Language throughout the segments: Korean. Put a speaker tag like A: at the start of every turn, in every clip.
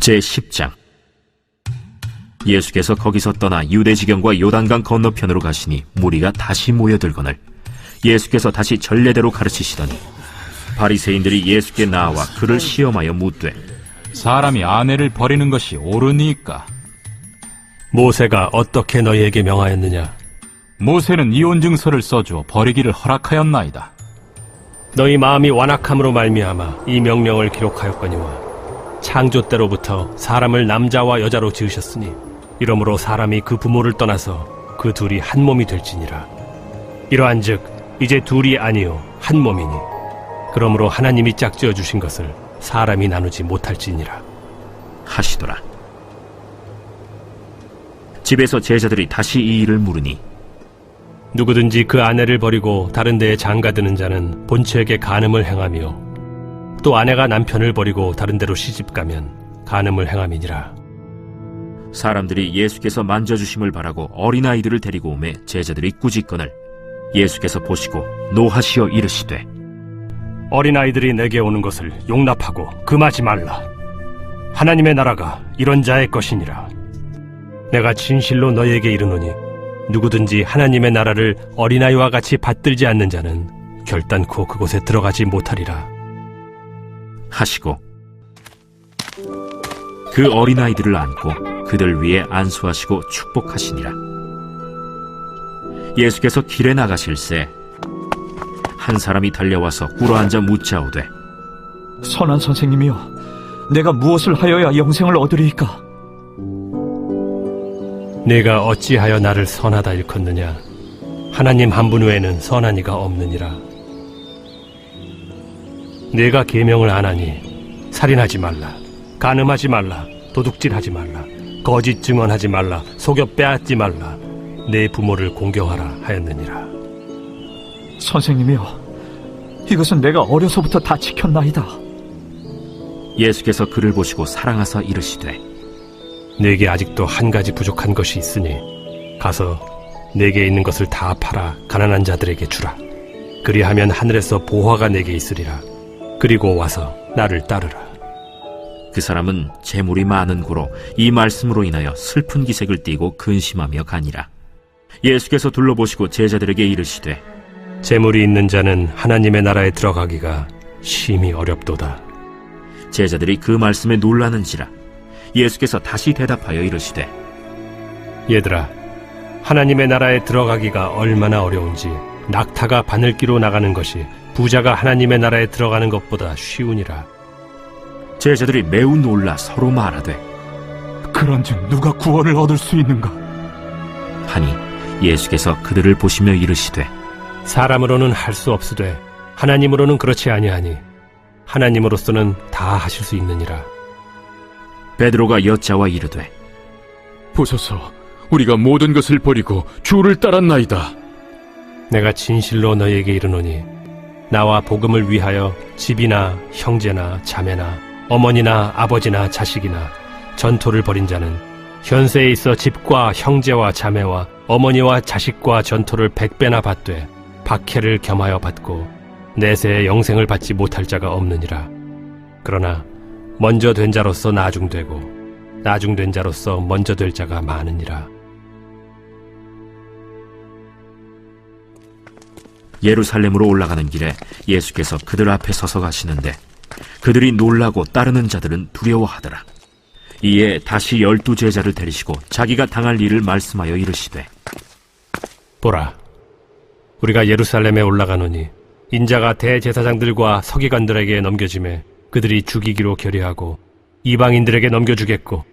A: 제10장. 예수께서 거기서 떠나 유대지경과 요단강 건너편으로 가시니 무리가 다시 모여들거늘 예수께서 다시 전례대로 가르치시더니 바리새인들이 예수께 나와 그를 시험하여 묻되,
B: 사람이 아내를 버리는 것이 옳으니까?
C: 모세가 어떻게 너희에게 명하였느냐?
B: 모세는 이혼 증서를 써주어 버리기를 허락하였나이다.
C: 너희 마음이 완악함으로 말미암아 이 명령을 기록하였거니와 창조 때로부터 사람을 남자와 여자로 지으셨으니 이러므로 사람이 그 부모를 떠나서 그 둘이 한 몸이 될지니라. 이러한즉 이제 둘이 아니요 한 몸이니 그러므로 하나님이 짝지어 주신 것을 사람이 나누지 못할지니라
A: 하시더라. 집에서 제자들이 다시 이 일을 물으니,
C: 누구든지 그 아내를 버리고 다른 데에 장가드는 자는 본처에게 간음을 행하며 또 아내가 남편을 버리고 다른 데로 시집가면 간음을 행함이니라.
A: 사람들이 예수께서 만져주심을 바라고 어린아이들을 데리고 오매 제자들이 꾸짖거늘 예수께서 보시고 노하시어 이르시되,
C: 어린아이들이 내게 오는 것을 용납하고 금하지 말라. 하나님의 나라가 이런 자의 것이니라. 내가 진실로 너희에게 이르노니 누구든지 하나님의 나라를 어린아이와 같이 받들지 않는 자는 결단코 그곳에 들어가지 못하리라
A: 하시고 그 어린아이들을 안고 그들 위에 안수하시고 축복하시니라. 예수께서 길에 나가실새 한 사람이 달려와서 꿇어앉아 묻자오되,
D: 선한 선생님이여, 내가 무엇을 하여야 영생을 얻으리이까?
C: 네가 어찌하여 나를 선하다 일컫느냐? 하나님 한 분 외에는 선한 이가 없느니라. 네가 계명을 안 하니 살인하지 말라, 간음하지 말라, 도둑질하지 말라, 거짓 증언하지 말라, 속여 빼앗지 말라, 내 부모를 공경하라 하였느니라.
D: 선생님이여, 이것은 내가 어려서부터 다 지켰나이다.
A: 예수께서 그를 보시고 사랑하사 이르시되,
C: 네게 아직도 한 가지 부족한 것이 있으니 가서 네게 있는 것을 다 팔아 가난한 자들에게 주라. 그리하면 하늘에서 보화가 네게 있으리라. 그리고 와서 나를 따르라.
A: 그 사람은 재물이 많은 고로 이 말씀으로 인하여 슬픈 기색을 띠고 근심하며 가니라. 예수께서 둘러보시고 제자들에게 이르시되,
C: 재물이 있는 자는 하나님의 나라에 들어가기가 심히 어렵도다.
A: 제자들이 그 말씀에 놀라는지라. 예수께서 다시 대답하여 이르시되,
C: 얘들아, 하나님의 나라에 들어가기가 얼마나 어려운지 낙타가 바늘기로 나가는 것이 부자가 하나님의 나라에 들어가는 것보다 쉬우니라.
A: 제자들이 매우 놀라 서로 말하되,
D: 그런즉 누가 구원을 얻을 수 있는가?
A: 하니 예수께서 그들을 보시며 이르시되,
C: 사람으로는 할 수 없으되 하나님으로는 그렇지 아니하니 하나님으로서는 다 하실 수 있느니라.
A: 베드로가 여짜와 이르되,
E: 보소서, 우리가 모든 것을 버리고 주를 따랐나이다.
C: 내가 진실로 너희에게 이르노니 나와 복음을 위하여 집이나 형제나 자매나 어머니나 아버지나 자식이나 전토를 벌인 자는 현세에 있어 집과 형제와 자매와 어머니와 자식과 전토를 100배나 받되 박해를 겸하여 받고 내세에 영생을 받지 못할 자가 없느니라. 그러나 먼저 된 자로서 나중되고 나중된 자로서 먼저 될 자가 많으니라.
A: 예루살렘으로 올라가는 길에 예수께서 그들 앞에 서서 가시는데 그들이 놀라고 따르는 자들은 두려워하더라. 이에 다시 12 제자를 데리시고 자기가 당할 일을 말씀하여 이르시되,
C: 보라, 우리가 예루살렘에 올라가노니 인자가 대제사장들과 서기관들에게 넘겨지매 그들이 죽이기로 결의하고 이방인들에게 넘겨주겠고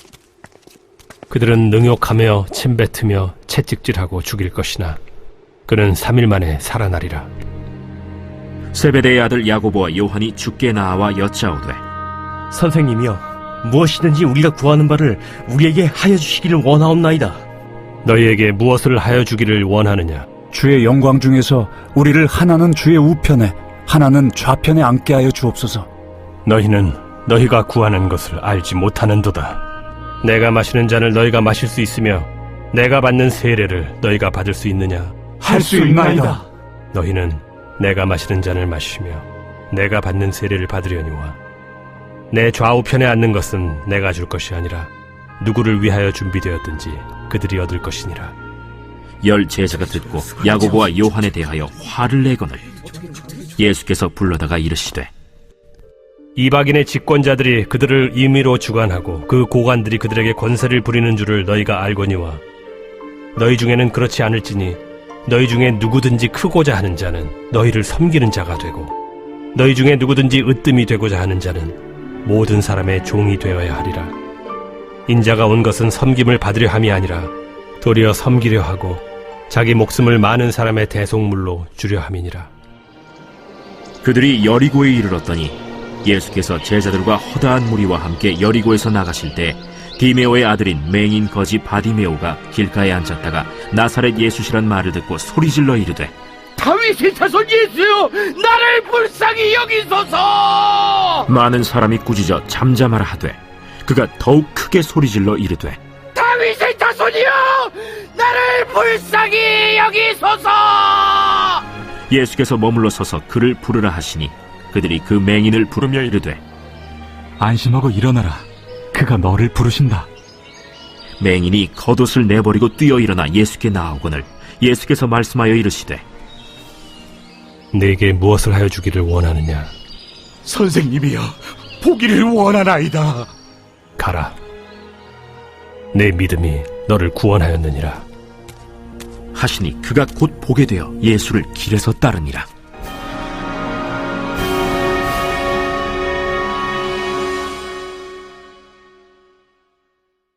C: 그들은 능욕하며 침뱉으며 채찍질하고 죽일 것이나 그는 3일 만에 살아나리라.
A: 세베대의 아들 야고보와 요한이 주께 나와 여짜오되,
F: 선생님이여, 무엇이든지 우리가 구하는 바를 우리에게 하여 주시기를 원하옵나이다.
C: 너희에게 무엇을 하여 주기를 원하느냐?
G: 주의 영광 중에서 우리를 하나는 주의 우편에 하나는 좌편에 앉게 하여 주옵소서.
C: 너희는 너희가 구하는 것을 알지 못하는도다. 내가 마시는 잔을 너희가 마실 수 있으며 내가 받는 세례를 너희가 받을 수 있느냐?
D: 할 수 있나이다.
C: 너희는 내가 마시는 잔을 마시며 내가 받는 세례를 받으려니와 내 좌우편에 앉는 것은 내가 줄 것이 아니라 누구를 위하여 준비되었든지 그들이 얻을 것이니라.
A: 10 제자가 듣고 야고보와 요한에 대하여 화를 내거늘 예수께서 불러다가 이르시되
C: 이방인의 집권자들이 그들을 임의로 주관하고 그 고관들이 그들에게 권세를 부리는 줄을 너희가 알거니와 너희 중에는 그렇지 않을지니 너희 중에 누구든지 크고자 하는 자는 너희를 섬기는 자가 되고 너희 중에 누구든지 으뜸이 되고자 하는 자는 모든 사람의 종이 되어야 하리라. 인자가 온 것은 섬김을 받으려 함이 아니라 도리어 섬기려 하고 자기 목숨을 많은 사람의 대속물로 주려 함이니라.
A: 그들이 여리고에 이르렀더니 예수께서 제자들과 허다한 무리와 함께 여리고에서 나가실 때 디메오의 아들인 맹인 거지 바디메오가 길가에 앉았다가 나사렛 예수시란 말을 듣고 소리질러 이르되
H: 다윗의 자손 예수여, 나를 불쌍히 여기소서.
A: 많은 사람이 꾸짖어 잠잠하라 하되 그가 더욱 크게 소리질러 이르되
H: 다윗의 자손이여, 나를 불쌍히 여기소서.
A: 예수께서 머물러 서서 그를 부르라 하시니 그들이 그 맹인을 부르며 이르되
G: 안심하고 일어나라. 그가 너를 부르신다.
A: 맹인이 겉옷을 내버리고 뛰어 일어나 예수께 나아오거늘 예수께서 말씀하여 이르시되
C: 내게 무엇을 하여 주기를 원하느냐?
H: 선생님이여, 보기를 원하나이다.
C: 가라. 내 믿음이 너를 구원하였느니라.
A: 하시니 그가 곧 보게 되어 예수를 길에서 따르니라.